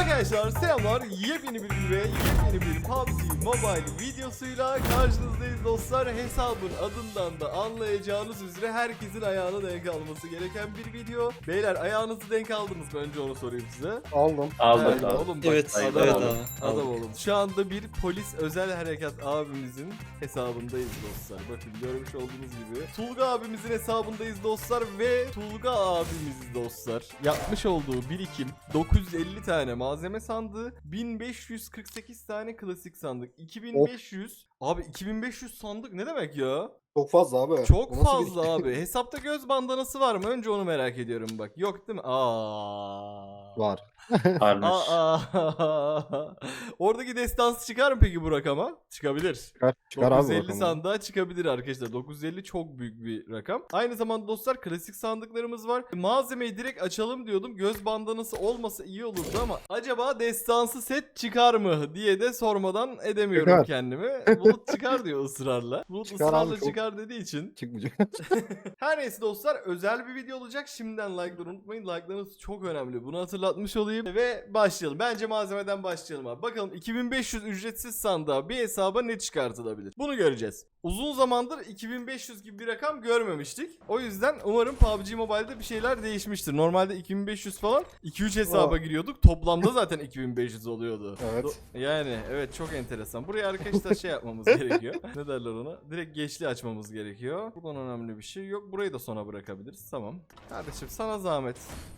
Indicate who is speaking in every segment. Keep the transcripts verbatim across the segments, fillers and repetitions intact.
Speaker 1: Arkadaşlar selamlar, yepyeni bir video ve yepyeni bir P U B G Mobile videosuyla karşınızdayız dostlar. Hesabın adından da anlayacağınız üzere herkesin ayağına denk alması gereken bir video. Beyler, ayağınızı denk aldınız mı? Önce onu sorayım size.
Speaker 2: Aldım.
Speaker 3: Aldık
Speaker 1: Evet,
Speaker 3: abi.
Speaker 1: oğlum bak,
Speaker 4: Evet,
Speaker 1: adam,
Speaker 4: evet
Speaker 1: olun.
Speaker 4: abi.
Speaker 1: Adam
Speaker 4: Aldık.
Speaker 1: olun. Şu anda bir polis özel harekat abimizin hesabındayız dostlar. Bakın görmüş olduğunuz gibi. Tulga abimizin hesabındayız dostlar ve Tulga abimiz dostlar yapmış olduğu birikim dokuz yüz elli tane malzeme sandığı, bin beş yüz kırk sekiz tane klasik sandık, iki bin beş yüz abi iki bin beş yüz sandık ne demek ya?
Speaker 2: Çok fazla abi. O
Speaker 1: Çok
Speaker 2: nasıl
Speaker 1: fazla
Speaker 2: bir-
Speaker 1: abi. Hesapta göz bandanası var mı? Önce onu merak ediyorum bak. Yok değil mi? Aa.
Speaker 2: Var.
Speaker 3: Varmış.
Speaker 1: Aa. Oradaki destansı çıkar mı peki bu rakama? Çıkabilir.
Speaker 2: Çıkar, çıkar abi
Speaker 1: dokuz yüz elli
Speaker 2: bakalım.
Speaker 1: sandığa çıkabilir arkadaşlar. dokuz yüz elli çok büyük bir rakam. Aynı zamanda dostlar klasik sandıklarımız var. Malzemeyi direkt açalım diyordum. Göz bandanası olmasa iyi olurdu ama acaba destansı set çıkar mı diye de sormadan edemiyorum
Speaker 2: Çıkar.
Speaker 1: kendimi. Bulut çıkar diyor ısrarla. Bulut
Speaker 2: Çıkar
Speaker 1: ısrarla
Speaker 2: abi, çok-
Speaker 1: çıkar dediği için.
Speaker 2: Çıkmayacak.
Speaker 1: Her neyse dostlar, özel bir video olacak. Şimdiden like'ları unutmayın. Like'larınız çok önemli. Bunu hatırlatmış olayım. Ve başlayalım. Bence malzemeden başlayalım abi. Bakalım iki bin beş yüz ücretsiz sandığa bir hesaba ne çıkartılabilir? Bunu göreceğiz. Uzun zamandır iki bin beş yüz gibi bir rakam görmemiştik. O yüzden umarım P U B G Mobile'de bir şeyler değişmiştir. Normalde iki bin beş yüz falan iki üç hesaba
Speaker 2: Aa.
Speaker 1: giriyorduk. Toplamda zaten iki bin beş yüz oluyordu.
Speaker 2: Evet.
Speaker 1: Do- Yani evet, çok enteresan. Buraya arkadaşlar şey yapmamız gerekiyor. Ne derler ona? Direkt geçli açmamız gerekiyor. Buradan önemli bir şey yok. Burayı da sona bırakabiliriz. Tamam. Kardeşim sana zahmet.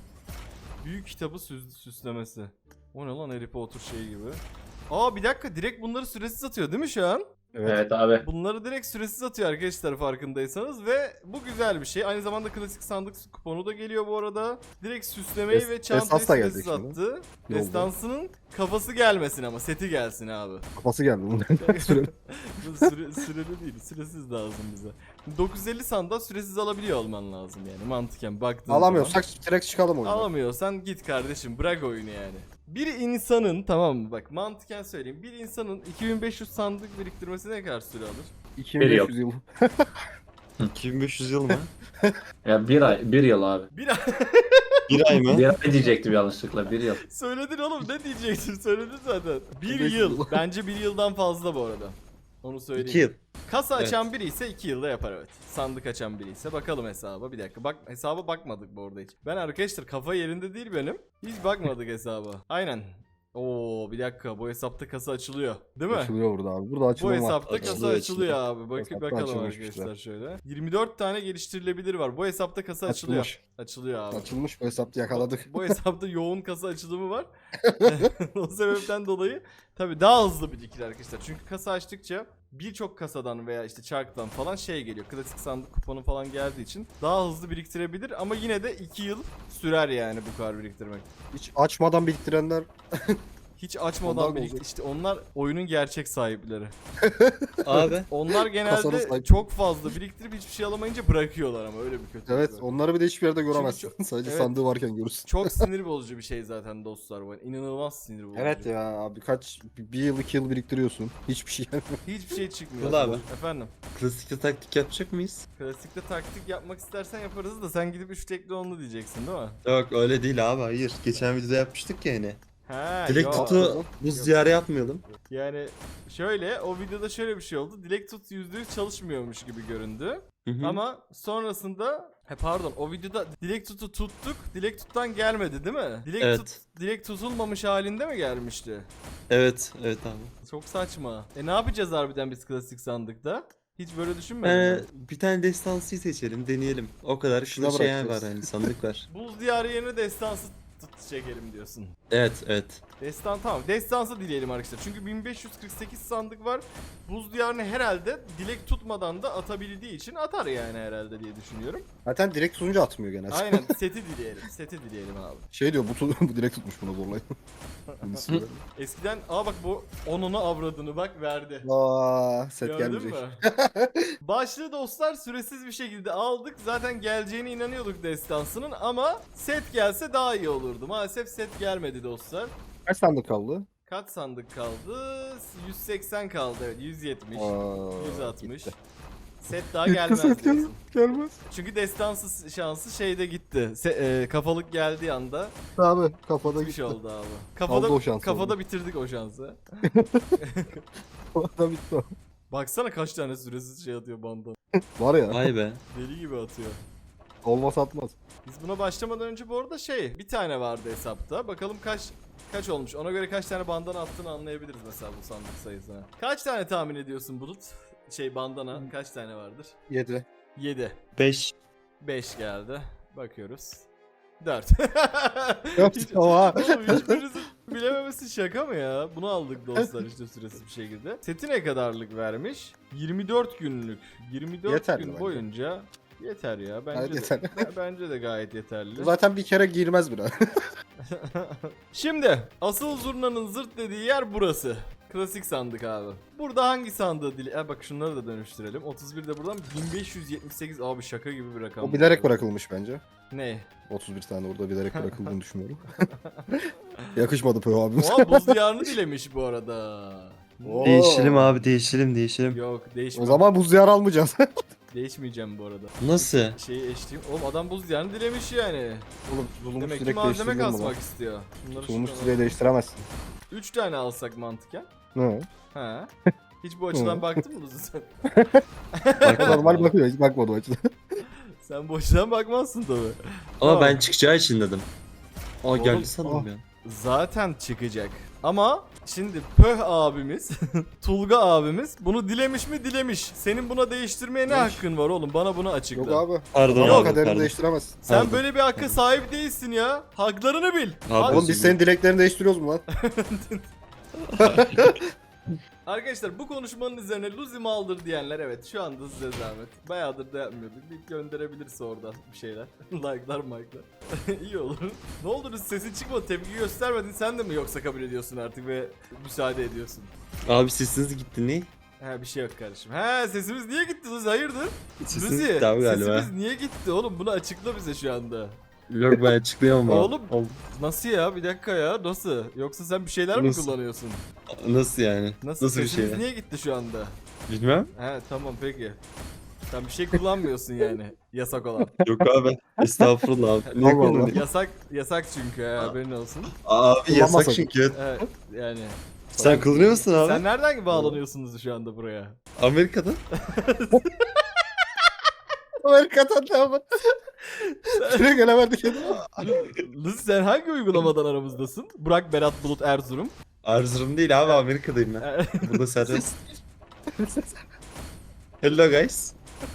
Speaker 1: Büyük kitabı süs- süslemesi. O ne lan, Harry Potter şey gibi. Aa bir dakika, direkt bunları süresiz atıyor değil mi şu an?
Speaker 2: Evet.
Speaker 3: Evet abi.
Speaker 1: Bunları direkt süresiz atıyor arkadaşlar, farkındaysanız, ve bu güzel bir şey. Aynı zamanda klasik sandık kuponu da geliyor bu arada. Direkt süslemeyi
Speaker 2: Des-
Speaker 1: ve çantayı
Speaker 2: Desans da
Speaker 1: süresiz
Speaker 2: gelecek şimdi.
Speaker 1: attı.
Speaker 2: Yolda.
Speaker 1: Destansının kafası gelmesin ama seti gelsin abi.
Speaker 2: Kafası geldi bundan. Süre-
Speaker 1: Bu süre, süreli değil, süresiz lazım bize. dokuz yüz elli sandığa süresiz alabiliyor olman lazım yani mantıken baktığın zaman.
Speaker 2: Alamıyorsak direkt çıkalım oyunu.
Speaker 1: Alamıyorsan git kardeşim, bırak oyunu yani. Bir insanın, tamam mı, bak mantıken söyleyeyim, bir insanın iki bin beş yüz sandık biriktirmesi ne kadar süre alır?
Speaker 2: iki bin beş yüz yıl.
Speaker 4: iki bin beş yüz yıl mı?
Speaker 3: Ya bir ay, bir yıl abi.
Speaker 1: Bir ay
Speaker 4: Bir ay mı?
Speaker 3: Bir ay diyecektim yanlışlıkla, bir yıl.
Speaker 1: söyledin oğlum, ne diyeceksin, söyledin zaten. Bir
Speaker 2: beş
Speaker 1: yıl,
Speaker 2: yıl.
Speaker 1: bence bir yıldan fazla bu arada. Onu söyleyeyim.
Speaker 4: İki yıl.
Speaker 1: Kasa
Speaker 4: Evet.
Speaker 1: açan biri ise iki yılda yapar evet. Sandık açan biri ise bakalım hesaba. Bir dakika, bak hesaba bakmadık bu arada hiç. Ben arkadaşlar kafa yerinde değil benim. Hiç bakmadık hesaba. Aynen. Oo bir dakika, bu hesapta kasa açılıyor. Değil mi?
Speaker 2: Açılıyor burada abi. Burada
Speaker 1: Bu
Speaker 2: açılma var.
Speaker 1: hesapta kasa
Speaker 4: Açılıyor,
Speaker 1: açılıyor abi. Bak,
Speaker 2: Hesapta
Speaker 1: bakalım
Speaker 2: açılmış
Speaker 1: arkadaşlar
Speaker 2: bizler.
Speaker 1: şöyle. yirmi dört tane geliştirilebilir var. Bu hesapta kasa açılıyor.
Speaker 2: Açılmış.
Speaker 1: Açılıyor abi.
Speaker 2: Açılmış bu hesapta yakaladık.
Speaker 1: Bu hesapta yoğun kasa açılımı var. O sebepten dolayı tabii daha hızlı birikir arkadaşlar. Çünkü kasa açtıkça birçok kasadan veya işte çarktan falan şey geliyor. Klasik sandık kuponu falan geldiği için daha hızlı biriktirebilir ama yine de iki yıl sürer yani bu kadar biriktirmek.
Speaker 2: Hiç açmadan biriktirenler
Speaker 1: Hiç açmadan
Speaker 2: Ondan mı
Speaker 1: biriktir.
Speaker 2: olacak?
Speaker 1: İşte onlar oyunun gerçek sahipleri.
Speaker 4: Abi.
Speaker 1: Onlar
Speaker 2: Kasanın
Speaker 1: genelde
Speaker 2: sahibi.
Speaker 1: çok fazla biriktirip hiçbir şey alamayınca bırakıyorlar ama öyle bir kötü.
Speaker 2: evet
Speaker 1: var.
Speaker 2: onları bir de hiçbir yerde göremezsin.
Speaker 1: çok-
Speaker 2: Sadece
Speaker 1: evet.
Speaker 2: sandığı varken görürsün.
Speaker 1: Çok sinir bozucu bir şey zaten dostlar bu. İnanılmaz sinir bozucu.
Speaker 2: Evet ya abi kaç bir yıl iki yıl biriktiriyorsun. Hiçbir şey gelmiyor.
Speaker 1: Hiçbir şey çıkmıyor.
Speaker 4: Ulan abi.
Speaker 1: Efendim.
Speaker 4: Klasikte taktik yapacak mıyız?
Speaker 1: Klasikte taktik yapmak istersen yaparız da sen gidip üç tekli onlu diyeceksin değil mi?
Speaker 4: Yok öyle değil abi, hayır. Geçen videoda yapmıştık ya yine.
Speaker 1: Ha,
Speaker 4: Dilek
Speaker 1: yok.
Speaker 4: tutu buz diyarı yapmayalım.
Speaker 1: Yani şöyle, o videoda şöyle bir şey oldu. Dilek tut yüzde yüz çalışmıyormuş gibi göründü.
Speaker 4: Hı hı.
Speaker 1: Ama sonrasında he pardon, o videoda dilek tutu tuttuk. Dilek tuttan gelmedi değil mi? Dilek
Speaker 4: Evet.
Speaker 1: tut dilek tutulmamış halinde mi gelmişti?
Speaker 4: Evet, evet abi.
Speaker 1: Çok saçma. E ne yapacağız harbiden biz klasik sandıkta? Hiç böyle düşünmedin
Speaker 4: Ee,
Speaker 1: mi?
Speaker 4: bir tane destansıyı seçelim, deneyelim. O kadar.
Speaker 2: Şuna
Speaker 4: Şurada şey var
Speaker 2: bırakacağız.
Speaker 4: hani, sandık var.
Speaker 1: Buz diyarı yerine destansı tut çekelim diyorsun.
Speaker 4: Evet, evet.
Speaker 1: Destan tamam. Destansı dileyelim arkadaşlar. Çünkü bin beş yüz kırk sekiz sandık var. Buz diyarını herhalde dilek tutmadan da atabildiği için atar yani herhalde diye düşünüyorum.
Speaker 2: Zaten direkt sunucu atmıyor genelde.
Speaker 1: Aynen, seti dileyelim. Seti dileyelim abi.
Speaker 2: Şey diyor bu, tu- bu direkt tutmuş bunu zorlayın. Bunu söyle.
Speaker 1: Eskiden aa bak bu onunu avradını bak verdi.
Speaker 2: Aa, set
Speaker 1: Gördün
Speaker 2: gelmeyecek.
Speaker 1: mü? Başlığı dostlar süresiz bir şekilde aldık. Zaten geleceğine inanıyorduk destansının ama set gelse daha iyi olurdu. Maalesef set gelmedi dostlar.
Speaker 2: Kaç sandık kaldı?
Speaker 1: Kaç sandık kaldı? yüz seksen kaldı, evet, yüz yetmiş.
Speaker 2: Aa,
Speaker 1: yüz altmış.
Speaker 2: gitti.
Speaker 1: Set daha
Speaker 2: Hiç
Speaker 1: gelmez
Speaker 2: kısmet
Speaker 1: diyorsun.
Speaker 2: gelmez.
Speaker 1: Çünkü destansı şansı şeyde gitti. Se- e, kafalık geldiği anda
Speaker 2: Abi kafada
Speaker 1: bitmiş
Speaker 2: gitti.
Speaker 1: oldu abi. Kafada,
Speaker 2: Aldı o şansı
Speaker 1: kafada
Speaker 2: oldu.
Speaker 1: bitirdik o şansı.
Speaker 2: Kafada bitti o.
Speaker 1: Baksana kaç tane süresiz şey atıyor bandan.
Speaker 2: Var ya.
Speaker 4: Vay be.
Speaker 1: Deli gibi atıyor.
Speaker 2: Olmaz atmaz.
Speaker 1: Biz buna başlamadan önce bu arada şey bir tane vardı hesapta. Bakalım kaç kaç olmuş. Ona göre kaç tane bandana attığını anlayabiliriz mesela bu sandık sayısına. Kaç tane tahmin ediyorsun Bulut? Şey bandana kaç tane vardır?
Speaker 2: Yedi.
Speaker 1: yedi.
Speaker 4: beş.
Speaker 1: beş geldi. Bakıyoruz. dört.
Speaker 2: Dört,
Speaker 1: Hiç,
Speaker 2: oha.
Speaker 1: oğlum hiçbirinizin bilememesi şaka mı ya? Bunu aldık dostlar işte süresiz bir şekilde. Seti ne kadarlık vermiş? yirmi dört günlük. yirmi dört
Speaker 2: Yeterli
Speaker 1: gün
Speaker 2: bence.
Speaker 1: boyunca yeter ya. Bence
Speaker 2: Gayet
Speaker 1: de,
Speaker 2: yeterli.
Speaker 1: bence de gayet yeterli.
Speaker 2: Zaten bir kere girmez bile.
Speaker 1: Şimdi asıl zurnanın zırt dediği yer burası. Klasik sandık abi. Burada hangi sandığı dili... Ha bak şunları da dönüştürelim. otuz bir de buradan bin beş yüz yetmiş sekiz abi şaka gibi bir rakam.
Speaker 2: O bilerek bırakılmış bence.
Speaker 1: Ne?
Speaker 2: otuz bir tane orada bilerek bırakıldığını düşünüyorum. Yakışmadı Pöh abimiz.
Speaker 1: Oha buz diyarını dilemiş bu arada.
Speaker 2: Oo.
Speaker 4: Değişelim abi değişelim değişelim.
Speaker 1: Yok değişme.
Speaker 2: O zaman buz diyarı almayacağız.
Speaker 1: Değişmeyeceğim bu arada.
Speaker 4: Nasıl?
Speaker 1: Şeyi eşleyeyim. Oğlum adam buz diyarını dilemiş yani.
Speaker 2: Oğlum tulumuz
Speaker 1: Demek ki
Speaker 2: direkt
Speaker 1: malzeme
Speaker 2: değiştirilir mi lan?
Speaker 1: kasmak istiyor. Şunları
Speaker 2: Tulumuz
Speaker 1: şuradan
Speaker 2: süreyi
Speaker 1: alalım.
Speaker 2: değiştiremezsin.
Speaker 1: üç tane alsak mantıken.
Speaker 2: Ne?
Speaker 1: Ha. Hiç bu açıdan
Speaker 2: Hı.
Speaker 1: baktın mı Luzu sen?
Speaker 2: O normal bakıyor, hiç bakmadı o açıdan.
Speaker 1: Sen bu açıdan bakmazsın tabi.
Speaker 4: Ama
Speaker 1: Tamam.
Speaker 4: ben çıkacağı için dedim. Aa
Speaker 1: Oğlum,
Speaker 4: geldi sandım
Speaker 2: ah.
Speaker 4: ya.
Speaker 1: Zaten çıkacak. Ama şimdi Pöh abimiz, Tulga abimiz bunu dilemiş mi dilemiş. Senin buna değiştirmeye ne
Speaker 2: Demiş.
Speaker 1: hakkın var oğlum? Bana bunu açıkla.
Speaker 2: Yok abi.
Speaker 4: Pardon
Speaker 2: Yok,
Speaker 4: abi
Speaker 2: kaderini
Speaker 4: pardon.
Speaker 2: değiştiremezsin.
Speaker 1: Sen
Speaker 4: Pardon.
Speaker 1: böyle bir hakka sahip değilsin ya. Haklarını bil.
Speaker 4: Abi,
Speaker 1: Hadi.
Speaker 2: Oğlum biz senin dileklerini değiştiriyoruz mu lan?
Speaker 1: Arkadaşlar bu konuşmanın üzerine Luzi maldır diyenler evet şu anda size zahmet. Bayağıdır da yapmıyorduk. Bir gönderebilirse oradan bir şeyler. Like'lar mike'lar. İyi olur. Ne oldu Luzi sesin çıkmadı tepki göstermedin sen de mi yoksa kabul ediyorsun artık ve müsaade ediyorsun?
Speaker 4: Abi sesiniz gitti ne?
Speaker 1: He bir şey yok kardeşim. He sesimiz niye gitti Luzi hayırdır?
Speaker 4: Sesiniz
Speaker 1: Luzi
Speaker 4: gitti abi galiba.
Speaker 1: sesimiz niye gitti oğlum bunu açıkla bize şu anda.
Speaker 4: Yok ben açıklayamam abi.
Speaker 1: Oğlum.
Speaker 4: Oğlum,
Speaker 1: Nasıl ya bir dakika ya nasıl? Yoksa sen bir şeyler mi
Speaker 4: Nasıl?
Speaker 1: kullanıyorsun?
Speaker 4: Nasıl yani?
Speaker 1: Nasıl,
Speaker 4: Nasıl bir
Speaker 1: sesimiz
Speaker 4: şey?
Speaker 1: niye gitti şu anda?
Speaker 4: Bilmem.
Speaker 1: He tamam peki. Sen bir şey kullanmıyorsun yani yasak olan.
Speaker 4: Yok abi. Estağfurullah abi. Niye
Speaker 2: Allah Allah.
Speaker 4: kullanayım?
Speaker 1: Yasak yasak çünkü he, haberin olsun.
Speaker 4: Abi yasak
Speaker 2: Kullanmasak.
Speaker 4: çünkü.
Speaker 1: Evet yani.
Speaker 4: Sen kullanıyor musun abi?
Speaker 1: Sen nereden bağlanıyorsunuz şu anda buraya?
Speaker 4: Amerika'dan.
Speaker 2: Amerika'dan ne yapar? Şuraya gelemedik kendine.
Speaker 1: Lız sen hangi uygulamadan aramızdasın? Burak, Berat, Bulut, Erzurum.
Speaker 4: Erzurum değil abi Amerika'dayım ben.
Speaker 1: E,
Speaker 4: Burada serbest. Hello guys.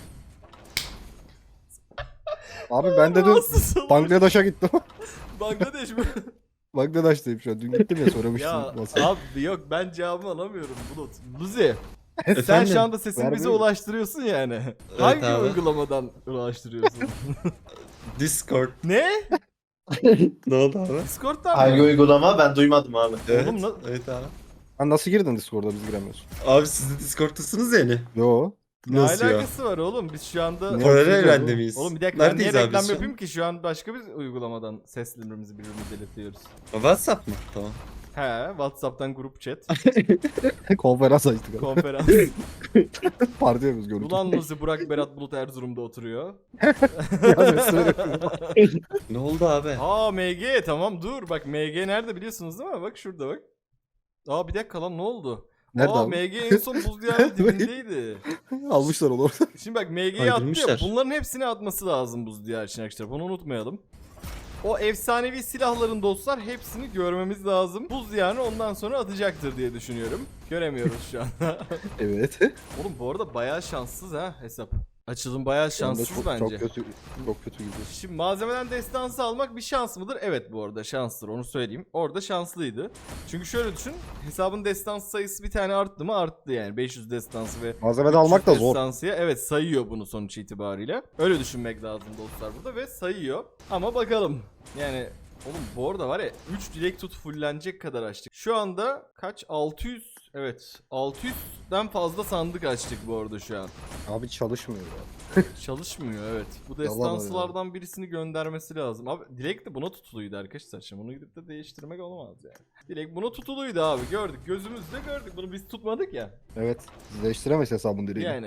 Speaker 2: Abi ben de dün
Speaker 1: Nasıl salak?
Speaker 2: Bangladeş'e gittim.
Speaker 1: Bangladeş mi?
Speaker 2: Bangladeş'teyim şu an. Dün gittim ya söylemiştim.
Speaker 1: Ya
Speaker 2: WhatsApp.
Speaker 1: abi yok ben cevabımı alamıyorum Bulut. Luzi sen
Speaker 4: Efendim?
Speaker 1: şu anda sesini bize
Speaker 2: Vermiyorum.
Speaker 1: ulaştırıyorsun yani. Hangi
Speaker 4: abi.
Speaker 1: uygulamadan ulaştırıyorsun?
Speaker 4: Discord.
Speaker 1: Ne?
Speaker 4: Ne oldu abi?
Speaker 1: Discord'dan
Speaker 5: Hangi
Speaker 1: mı?
Speaker 5: uygulama ben duymadım abi.
Speaker 4: Evet.
Speaker 1: Oğlum na-
Speaker 4: Evet abi.
Speaker 2: Sen nasıl girdin Discord'a biz giremiyoruz?
Speaker 4: Abi siz de Discord'tasınız yani.
Speaker 2: Yo.
Speaker 1: Ne
Speaker 4: Nasıl ya?
Speaker 1: alakası var oğlum? Biz şu anda...
Speaker 2: Ne?
Speaker 4: Paralel
Speaker 2: yapıyoruz
Speaker 4: evrende
Speaker 2: oğlum?
Speaker 4: miyiz?
Speaker 1: Oğlum bir dakika ben niye
Speaker 4: Neredeyiz abi
Speaker 1: reklam
Speaker 4: biz şu an?
Speaker 1: yapayım ki şu an başka bir uygulamadan seslerimizi birbirimize iletiyoruz.
Speaker 4: WhatsApp mı? Tamam.
Speaker 1: He Whatsapp'tan grup chat,
Speaker 2: Konferans açtık abi.
Speaker 1: konferans.
Speaker 2: Parti yapıyoruz görüntü.
Speaker 1: Ulan Luzi, Burak, Berat, Bulut Erzurum'da oturuyor.
Speaker 2: Ya ben söyleyeyim.
Speaker 4: Ne oldu abi?
Speaker 1: Aa M G tamam dur bak M G nerede biliyorsunuz değil mi? Bak şurada bak. Aa bir dakika lan ne oldu?
Speaker 2: Nerede
Speaker 1: Aa
Speaker 2: abi?
Speaker 1: M G en son buz diyarının dibindeydi.
Speaker 2: Almışlar onu orada.
Speaker 1: Şimdi bak M G'yi attı ya
Speaker 4: Kaydırmışlar.
Speaker 1: bunların hepsini atması lazım buz diyar için arkadaşlar bunu unutmayalım. O efsanevi silahların dostlar hepsini görmemiz lazım. Buz diyarını ondan sonra atacaktır diye düşünüyorum. Göremiyoruz şu anda.
Speaker 2: Evet.
Speaker 1: Oğlum bu arada bayağı şanssız ha hesap. Açılım bayağı
Speaker 2: Şu anda
Speaker 1: şanssız
Speaker 2: çok,
Speaker 1: bence.
Speaker 2: Çok kötü, çok kötü gidiyor.
Speaker 1: Şimdi malzemeden destansı almak bir şans mıdır? Evet bu arada şanstır onu söyleyeyim. Orada şanslıydı. Çünkü şöyle düşün. Hesabın destansı sayısı bir tane arttı mı? Arttı yani. beş yüz destansı ve
Speaker 2: Malzemeden almak da
Speaker 1: üç yüz
Speaker 2: zor.
Speaker 1: destansıya evet sayıyor bunu sonuç itibariyle. Öyle düşünmek lazım dostlar burada ve sayıyor. Ama bakalım. Yani oğlum bu arada var ya üç dilek tut fullenecek kadar açtık. Şu anda kaç? altı yüz evet altı yüzden fazla sandık açtık bu arada şu an.
Speaker 2: Abi çalışmıyor ya.
Speaker 1: Çalışmıyor evet. Bu
Speaker 2: Yalan
Speaker 1: destansılardan birisini göndermesi lazım. Abi Dilek de buna tutuluydu arkadaşlar. Şimdi bunu gidip de değiştirmek olmaz yani. Dilek buna tutuluydu abi gördük. Gözümüzle gördük. Bunu biz tutmadık ya.
Speaker 2: Evet. Siz değiştiremeyiz hesabın direğini.
Speaker 1: Yani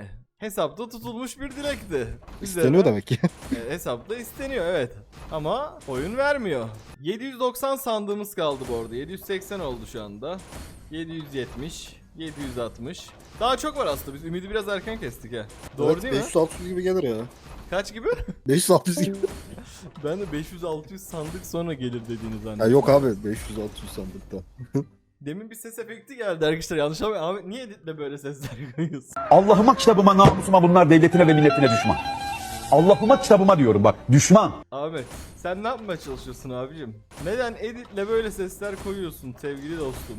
Speaker 1: hesapta tutulmuş bir dilekti.
Speaker 2: İsteniyor demek ki.
Speaker 1: E, hesapta isteniyor evet. Ama oyun vermiyor. yedi yüz doksan sandığımız kaldı bu arada. yedi yüz seksen oldu şu anda. yedi yüz yetmiş, yedi yüz altmış. Daha çok var aslında. Biz ümidi biraz erken kestik ha. Doğru
Speaker 2: Evet,
Speaker 1: değil mi?
Speaker 2: beş yüz altı yüz gibi gelir ya.
Speaker 1: Kaç gibi?
Speaker 2: beş yüz altı yüz gibi.
Speaker 1: Ben de beş yüz altı yüz sandık sonra gelir dediğini
Speaker 2: Ya
Speaker 1: zannettim.
Speaker 2: yok abi beş yüz altı yüz sandıkta.
Speaker 1: Demin bir ses efekti geldi arkadaşlar. Yanlış ama Ahmet niye editle böyle sesler koyuyorsun?
Speaker 5: Allah'ıma kitabıma namusuma bunlar devletine ve milletine düşman. Allah'ıma kitabıma diyorum bak düşman.
Speaker 1: Ahmet sen ne yapmaya çalışıyorsun abicim? Neden editle böyle sesler koyuyorsun sevgili dostum?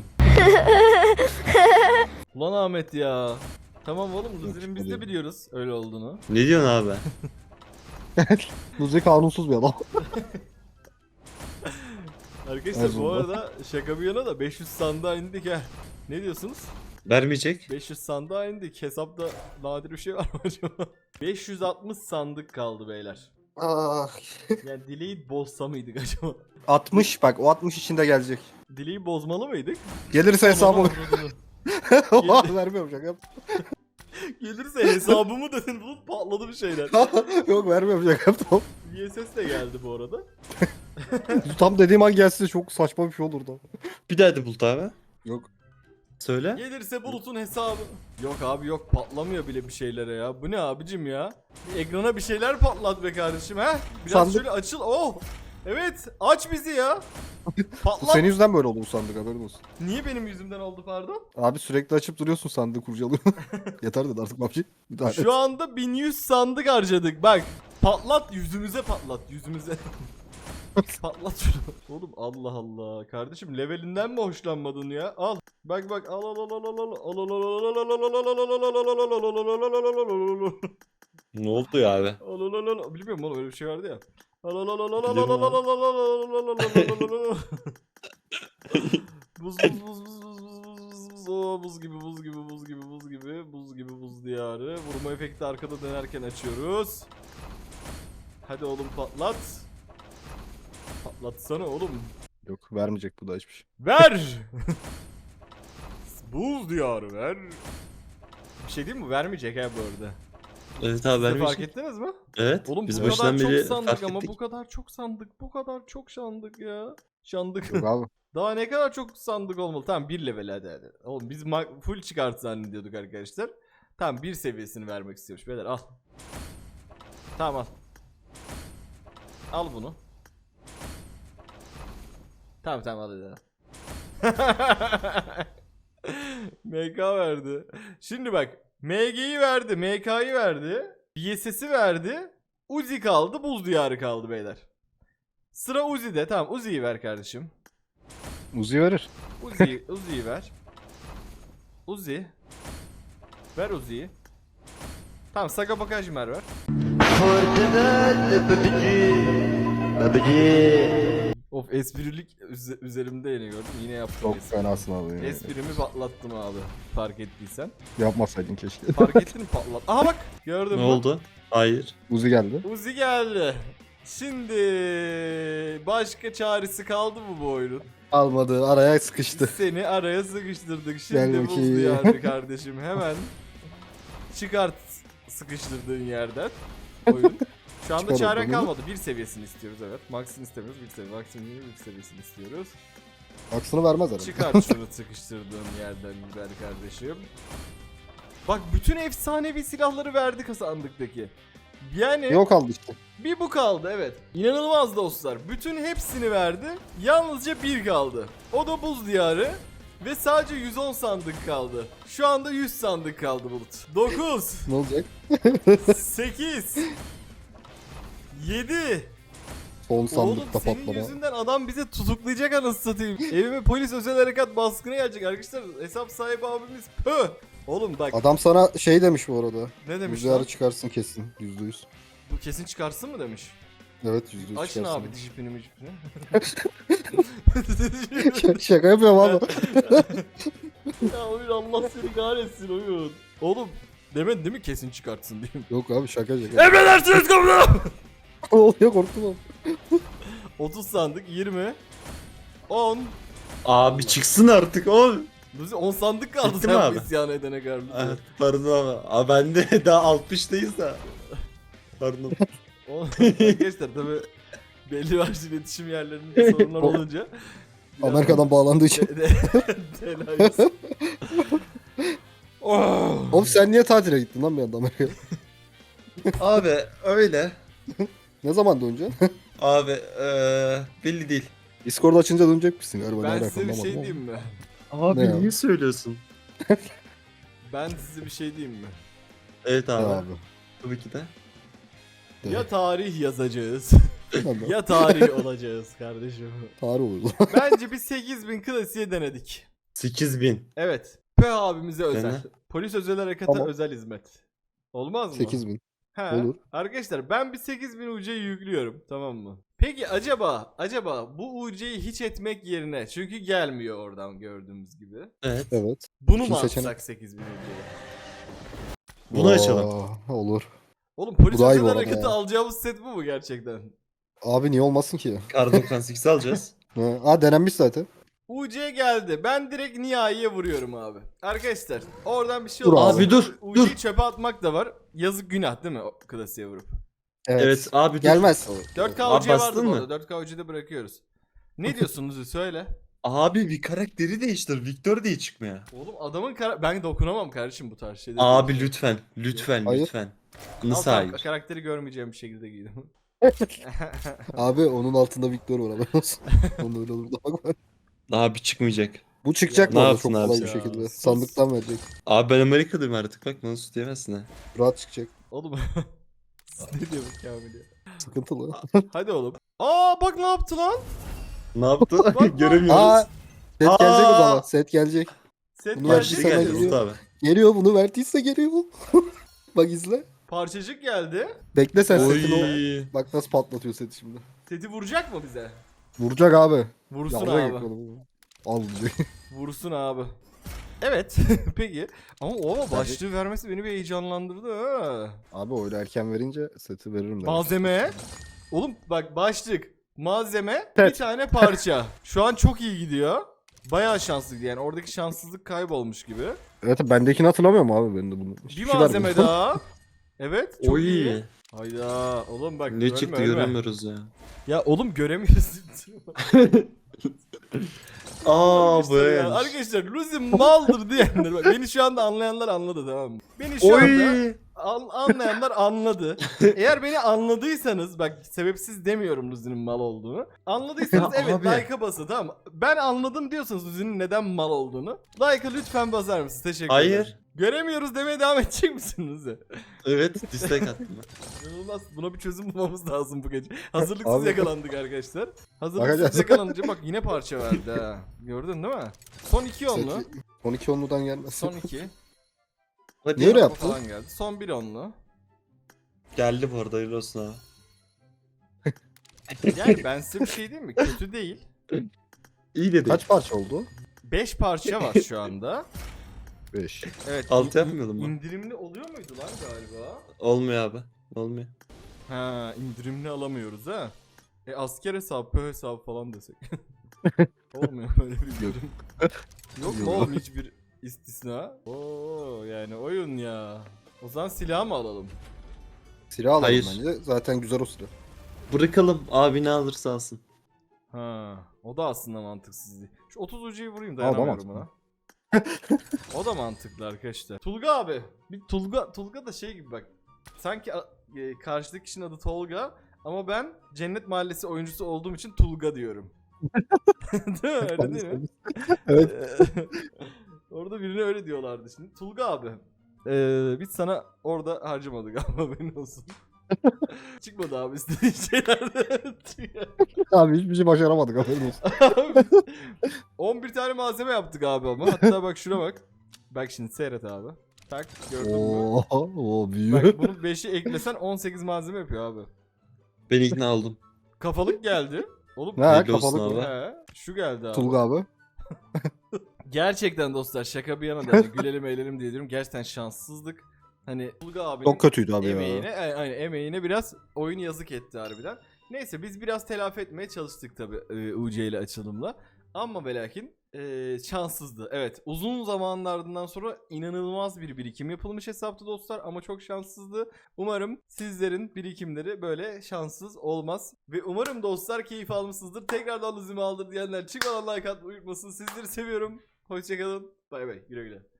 Speaker 1: Ulan Ahmet ya. Tamam oğlum Luzi'nin biz de biliyoruz öyle olduğunu.
Speaker 4: Ne diyorsun abi?
Speaker 2: Luzi kanunsuz bir adam.
Speaker 1: Arkadaşlar
Speaker 2: Her
Speaker 1: bu
Speaker 2: zaman.
Speaker 1: arada şaka bir yana da beş yüz sandığa indik ha. Ne diyorsunuz?
Speaker 4: Vermeyecek.
Speaker 1: beş yüz sandığa indik. Hesapta nadir bir şey var mı acaba? beş yüz altmış sandık kaldı beyler.
Speaker 2: Ah.
Speaker 1: Yani dileği bozsa mıydık acaba?
Speaker 2: altmış bak o altmış içinde gelecek.
Speaker 1: Dileği bozmalı mıydık?
Speaker 2: Gelirse hesabı.
Speaker 1: Aman Allah'ım.
Speaker 2: Vermiyorum şaka yap.
Speaker 1: Gelirse hesabımı dedin bulut patladı bir şeyler.
Speaker 2: Yok vermiyorum şaka yaptım.
Speaker 1: V S S de geldi bu arada.
Speaker 2: Tam dediğim an gelse çok saçma bir şey olurdu.
Speaker 4: Bir daha de Bulut abi.
Speaker 2: Yok.
Speaker 4: Söyle.
Speaker 1: Gelirse bulutun hesabı. Yok abi yok patlamıyor bile bir şeylere ya. Bu ne abicim ya? Bir ekrana bir şeyler patlat be kardeşim ha? Biraz
Speaker 2: Sandık-
Speaker 1: şöyle açıl. Oh! Evet aç bizi ya.
Speaker 2: Bu
Speaker 1: Patlat.
Speaker 2: senin yüzünden böyle oldu bu sandık haberin olsun.
Speaker 1: Niye benim yüzümden oldu pardon?
Speaker 2: Abi sürekli açıp duruyorsun sandığı kurcalıyorsun. Yeter dedi artık babacı. Bir daha
Speaker 1: Şu anda bin yüz sandık harcadık bak. Patlat yüzümüze patlat yüzümüze. Patlat şunu. Oğlum Allah Allah. Kardeşim levelinden mi hoşlanmadın ya? Al. Bak bak al al al al al al al al al al.
Speaker 4: Ne oldu ya abi?
Speaker 1: Bilmiyorum oğlum öyle bir şey vardı ya. Buz buz buz buz buz buz buz Oo, buz gibi buz gibi buz gibi buz gibi buz gibi buz diyarı. Vurma efekti arkada dönerken açıyoruz. Hadi oğlum patlat. Patlatsana oğlum.
Speaker 2: Yok vermeyecek bu da hiçbir şey.
Speaker 1: Ver. Buz diyarı ver. Bir şey değil mi? Vermeyecek ha bu arada.
Speaker 4: Evet abi
Speaker 1: Siz de fark
Speaker 4: vermeyecek.
Speaker 1: ettiniz mi?
Speaker 4: Evet.
Speaker 1: Oğlum
Speaker 4: biz
Speaker 1: bu kadar
Speaker 4: başından
Speaker 1: çok
Speaker 4: beri
Speaker 1: sandık
Speaker 4: fark
Speaker 1: ama
Speaker 4: ettik.
Speaker 1: bu kadar çok sandık. Bu kadar çok sandık ya. Şandık.
Speaker 2: Yok abi.
Speaker 1: Daha ne kadar çok sandık olmalı. Tamam bir level hadi hadi. Oğlum biz ma- full çıkart zannediyorduk arkadaşlar. Tamam bir seviyesini vermek istiyormuş. Beyler al. Tamam al. Al bunu. Tamam tamam al hadi. M K verdi. Şimdi bak M G'yi verdi, M K'yı verdi, B S S'i verdi, Uzi kaldı, buz diyarı kaldı beyler. Sıra Uzi'de. Tamam Uzi'yi ver kardeşim.
Speaker 2: Uzi verir.
Speaker 1: Uzi, Uzi'yi ver. Uzi. Ver Uzi'yi. Tamam Saga Bakajmer ver. Of esprilik üze- üzerimde yine gördüm. Yine yaptım
Speaker 2: Çok
Speaker 1: espri.
Speaker 2: fenasın abi. Yani.
Speaker 1: Esprimi patlattım abi. Fark ettiysen.
Speaker 2: Yapmasaydın keşke.
Speaker 1: Fark ettin mi patlat? Aha bak gördün
Speaker 4: Ne
Speaker 1: mü?
Speaker 4: oldu? Hayır.
Speaker 2: Uzi geldi.
Speaker 1: Uzi geldi. Şimdi başka çaresi kaldı mı bu oyunun?
Speaker 2: Almadı araya sıkıştı.
Speaker 1: Seni araya sıkıştırdık.
Speaker 2: Gel
Speaker 1: Şimdi buz
Speaker 2: bakayım.
Speaker 1: diyarı kardeşim. Hemen çıkart sıkıştırdığın yerden oyun. Şu anda
Speaker 2: Çıkar
Speaker 1: çaren
Speaker 2: oradan.
Speaker 1: kalmadı. Bir seviyesini istiyoruz evet. Max'ını istemiyoruz. Bir seviye. Max'ını bir seviyesini istiyoruz.
Speaker 2: Aksını vermez herhalde.
Speaker 1: Çıkart şunu sıkıştırdığın yerden güzel kardeşim. Bak bütün efsanevi silahları verdik sandıktaki. Yani
Speaker 2: Yok kaldı işte.
Speaker 1: bir bu kaldı evet. İnanılmaz dostlar. Bütün hepsini verdi. Yalnızca bir kaldı. O da buz diyarı. Ve sadece yüz on sandık kaldı. Şu anda yüz sandık kaldı Bulut. dokuz,
Speaker 2: Ne olacak?
Speaker 1: sekiz, yedi.
Speaker 2: Son
Speaker 1: Oğlum
Speaker 2: sandıkta
Speaker 1: senin
Speaker 2: patlama.
Speaker 1: yüzünden adam bizi tutuklayacak anasını satayım. Evime polis özel harekat baskını gelecek arkadaşlar. Hesap sahibi abimiz pö. Oğlum bak
Speaker 2: Adam sana şey demiş bu arada.
Speaker 1: ne demiş
Speaker 2: Rüzgarı
Speaker 1: lan?
Speaker 2: çıkarsın kesin. Yüzde yüz.
Speaker 1: Bu kesin çıkarsın mı demiş.
Speaker 2: Evet yüzde yüz
Speaker 1: Açın
Speaker 2: çıkarsın.
Speaker 1: abi dişipini micipini.
Speaker 2: Ş- Şaka yapıyorum abi.
Speaker 1: Ya oyun Allah seni kahretsin oyun. Oğlum demedin değil mi kesin çıkartsın diyeyim.
Speaker 2: Yok abi şaka şaka.
Speaker 1: Emredersiniz komutanım.
Speaker 2: Ne oluyor korktum abi.
Speaker 1: otuz sandık yirmi on
Speaker 4: Abi çıksın artık oğlum.
Speaker 1: Luzi on sandık kaldı
Speaker 4: Bitti mi
Speaker 1: sen
Speaker 4: abi?
Speaker 1: bu isyan edene kadar. Luzi.
Speaker 4: Ah, pardon ama. Abi ben de daha altmıştayız da. Pardon.
Speaker 1: O- Arkadaşlar tabi belli başlı iletişim yerlerinde sorunlar olunca. biraz-
Speaker 2: Amerika'dan bağlandığı için.
Speaker 1: De- de- Telaş. Oh.
Speaker 2: Oğlum sen niye tatile gittin lan bir anda Amerika'ya?
Speaker 4: Abi öyle.
Speaker 2: Ne zaman döneceksin?
Speaker 4: Abi eee belli değil.
Speaker 2: Discord açınca dönecek misin galiba?
Speaker 1: Ben
Speaker 2: Ne
Speaker 1: size bir
Speaker 2: alakalı
Speaker 1: şey
Speaker 2: ama.
Speaker 1: diyeyim mi?
Speaker 4: Abi
Speaker 2: Ne
Speaker 4: niye
Speaker 2: ya?
Speaker 4: söylüyorsun?
Speaker 1: Ben size bir şey diyeyim mi?
Speaker 4: Evet
Speaker 2: Ya
Speaker 4: abi.
Speaker 2: abi.
Speaker 4: Tabii ki de.
Speaker 2: Evet.
Speaker 1: Ya tarih yazacağız
Speaker 2: Ben de-
Speaker 1: ya tarih olacağız kardeşim.
Speaker 2: Tarih olur.
Speaker 1: Bence bir sekiz bin klasiğe denedik.
Speaker 4: sekiz bin.
Speaker 1: Evet. P abimize özel.
Speaker 4: Dene.
Speaker 1: Polis özel harekata
Speaker 2: Tamam.
Speaker 1: özel hizmet. Olmaz mı?
Speaker 2: sekiz bin.
Speaker 1: He.
Speaker 2: olur.
Speaker 1: Arkadaşlar ben bir sekiz bin U C'yi yüklüyorum, tamam mı? Peki acaba acaba bu U C'yi hiç etmek yerine, çünkü gelmiyor oradan gördüğümüz gibi.
Speaker 4: Evet.
Speaker 2: Evet.
Speaker 1: Bunu mu
Speaker 2: İkinci
Speaker 1: atsak
Speaker 2: seçenek.
Speaker 1: sekiz bin U C'yi?
Speaker 4: Bunu açalım.
Speaker 2: Aa, olur.
Speaker 1: Oğlum polis
Speaker 2: Bu daha iyi
Speaker 1: özel
Speaker 2: bu arada
Speaker 1: harekatı
Speaker 2: ya.
Speaker 1: alacağımız set bu mu gerçekten?
Speaker 2: Abi niye olmasın ki?
Speaker 4: Kar doksan sekiz alacağız.
Speaker 2: Ha, aa denenmiş zaten.
Speaker 1: U C geldi. Ben direkt Nihai'ye vuruyorum abi. Arkadaşlar oradan bir şey
Speaker 2: Dur
Speaker 1: oldu.
Speaker 2: abi.
Speaker 4: Abi dur,
Speaker 1: U C'yi çöpe atmak da var. Yazık, günah değil mi o klasiğe vurup?
Speaker 2: Evet.
Speaker 4: Evet abi dur.
Speaker 2: Gelmez.
Speaker 1: dört K
Speaker 4: Abi
Speaker 1: U C vardı
Speaker 4: bastın
Speaker 1: bu
Speaker 4: mı?
Speaker 1: arada. dört K U C'de bırakıyoruz. Ne diyorsunuz söyle.
Speaker 4: Abi bir karakteri değiştir. Victor diye çıkmıyor.
Speaker 1: Oğlum adamın kara... Ben dokunamam kardeşim bu tarz şeylere.
Speaker 4: Abi lütfen. Lütfen
Speaker 2: Hayır.
Speaker 4: lütfen.
Speaker 1: Al,
Speaker 4: Nasıl
Speaker 1: tamam,
Speaker 4: hayır?
Speaker 1: karakteri görmeyeceğim bir şekilde giydim.
Speaker 2: Abi onun altında Victor var haberin olsun. Onun öyle olur da bakma.
Speaker 4: Abi çıkmayacak.
Speaker 2: Bu çıkacak
Speaker 4: Ne
Speaker 2: bu arada
Speaker 4: yapsın
Speaker 2: çok
Speaker 4: abi
Speaker 2: kolay
Speaker 1: ya?
Speaker 2: bir şekilde.
Speaker 1: Sus.
Speaker 2: Sandıktan verecek.
Speaker 4: Abi ben Amerika'dayım artık bak bana sus diyemezsin ha.
Speaker 2: Rahat çıkacak.
Speaker 1: Oğlum ne diyor bu Kamil ya?
Speaker 2: Sıkıntılı.
Speaker 1: Hadi oğlum. Aa bak ne yaptı lan?
Speaker 4: Ne yaptı?
Speaker 1: bak.
Speaker 4: Göremiyoruz.
Speaker 2: Aa, set
Speaker 4: Aa!
Speaker 2: gelecek o zaman. Set gelecek.
Speaker 1: Set
Speaker 2: Bunu
Speaker 4: Bak
Speaker 1: gelecek.
Speaker 2: açtı
Speaker 4: şimdi
Speaker 2: sana
Speaker 1: geldi.
Speaker 4: geldi
Speaker 2: geliyor.
Speaker 4: Umut abi.
Speaker 2: Geliyor bunu verdiyse geliyor. Bak izle.
Speaker 1: Parçacık geldi.
Speaker 2: Bekle sen setini o.
Speaker 4: Oy.
Speaker 2: Bak nasıl patlatıyor seti şimdi.
Speaker 1: Seti vuracak mı bize?
Speaker 2: Vuracak abi.
Speaker 1: Vursun
Speaker 2: Yavru
Speaker 1: abi.
Speaker 2: yapalım. Al diyecek.
Speaker 1: Vursun abi. Evet. Peki. Ama o başlığı vermesi beni bir heyecanlandırdı ha.
Speaker 2: Abi öyle erken verince seti veririm ben.
Speaker 1: Malzeme. Oğlum bak başlık, malzeme, bir
Speaker 2: Evet.
Speaker 1: tane parça. Şu an çok iyi gidiyor. Bayağı şanslıydı yani. Oradaki şanssızlık kaybolmuş gibi.
Speaker 2: Evet bendekini hatırlamıyorum abi ben de bunu.
Speaker 1: Bir
Speaker 2: Hiçbir şey
Speaker 1: malzeme
Speaker 2: vermiyor.
Speaker 1: daha. Evet. Çok iyi.
Speaker 4: Oy.
Speaker 1: Hayda. Oğlum bak.
Speaker 4: Ne
Speaker 1: ölme,
Speaker 4: çıktı
Speaker 1: ölme.
Speaker 4: göremiyoruz ya.
Speaker 1: Ya oğlum göremiyoruz.
Speaker 4: Aa
Speaker 1: Arkadaşlar ya,
Speaker 4: bu.
Speaker 1: Arkadaşlar Luzi maldır diyenler. Bak, beni şu anda anlayanlar anladı, tamam mı? Beni şu anda
Speaker 4: Oy.
Speaker 1: an- anlayanlar anladı. Eğer beni anladıysanız, bak sebepsiz demiyorum Luzi'nin mal olduğunu. Anladıysanız
Speaker 4: Ya
Speaker 1: evet
Speaker 4: abi.
Speaker 1: like'a basın, tamam mı? Ben anladım diyorsanız Luzi'nin neden mal olduğunu, like'a lütfen basar mısınız? Teşekkür ederim.
Speaker 4: Hayır.
Speaker 1: Göremiyoruz demeye devam edecek misiniz Luzi?
Speaker 4: Evet dislike attım ben.
Speaker 1: İnanılmaz. Buna bir çözüm bulmamız lazım bu gece. Hazırlıksız
Speaker 2: Abi.
Speaker 1: yakalandık arkadaşlar. Hazırlıksız
Speaker 2: Bakacağız.
Speaker 1: yakalanınca bak yine parça verdi ha. Gördün değil mi? Son iki onlu.
Speaker 2: Seti on iki onludan gelmez.
Speaker 1: Son iki.
Speaker 4: Hadi
Speaker 2: Niye öyle
Speaker 1: Araba
Speaker 2: yaptı?
Speaker 1: falan geldi. Son bir onlu.
Speaker 4: Geldi bu arada hayırlı olsun abi.
Speaker 1: Yani ben size bir şey diyeyim mi? Kötü değil.
Speaker 4: İyi dedi.
Speaker 2: Kaç parça oldu?
Speaker 1: beş parça var şu anda.
Speaker 2: beş.
Speaker 1: Evet.
Speaker 4: Altı
Speaker 1: in-
Speaker 4: yapmıyordum ben.
Speaker 1: İndirimli oluyor muydu lan galiba?
Speaker 4: Olmuyor abi. Olmuyor.
Speaker 1: Ha, indirimli alamıyoruz ha. E asker hesabı, pö hesabı falan desek. Olmuyor öyle bir indirim. Yok mu
Speaker 2: Yok.
Speaker 1: oğlum hiçbir istisna? Oo yani oyun ya. O zaman silah mı alalım?
Speaker 2: Silah alalım
Speaker 4: Hayır.
Speaker 2: bence. Zaten güzel o silah.
Speaker 4: Bırakalım abi ne alırsa alsın.
Speaker 1: Ha, o da aslında mantıksız değil. Şu otuz ucuyu vurayım,
Speaker 2: O da
Speaker 1: dayanamıyorum
Speaker 2: mantıklı.
Speaker 1: ona. O da mantıklı arkadaşlar. Tulga abi. Bir Tulga Tulga da şey gibi bak. Sanki a- e, karşıdaki kişinin adı Tolga ama ben Cennet Mahallesi oyuncusu olduğum için Tulga diyorum. Değil mi? Öyle değil mi?
Speaker 2: Evet.
Speaker 1: Orada birine öyle diyorlardı şimdi. Tulga abi. Ee, biz sana orada harcamadık ama benim olsun. Çıkmadı abi istediğin şeyler.
Speaker 2: Abi hiçbir şey başaramadık haberin olsun.
Speaker 1: on bir tane malzeme yaptık abi ama. Hatta bak şuna bak. Bak şimdi seyret abi. Tak gördün mü?
Speaker 2: Oo, oo büyüyor.
Speaker 1: Bak bunun beşi eklesen on sekiz malzeme yapıyor abi.
Speaker 4: Ben ikna oldum.
Speaker 1: Kafalık geldi. Oğlum
Speaker 2: Ne
Speaker 4: Hayırlı olsun
Speaker 2: kafalık
Speaker 4: abi.
Speaker 2: mı?
Speaker 1: he, şu geldi abi.
Speaker 2: Tulga abi.
Speaker 1: Gerçekten dostlar şaka bir yana da hani gülelim eğlenelim diye diyorum. Gerçekten şanssızlık. Hani Tulga abinin
Speaker 2: Çok kötüydü abi
Speaker 1: emeğine,
Speaker 2: ya.
Speaker 1: ay- aynen, emeğine biraz oyun yazık etti harbiden. Neyse biz biraz telafi etmeye çalıştık tabi e, U C ile açılımla. Ama ve lakin Ee, şanssızdı. Evet, uzun zamanlardan sonra inanılmaz bir birikim yapılmış hesapta dostlar ama çok şanssızdı. Umarım sizlerin birikimleri böyle şanssız olmaz. Ve umarım dostlar keyif almışsınızdır. Tekrardan lüzumu aldır diyenler çıkmadan like atmayı unutmasın. Sizleri seviyorum. Hoşçakalın. Bay bay. Güle güle.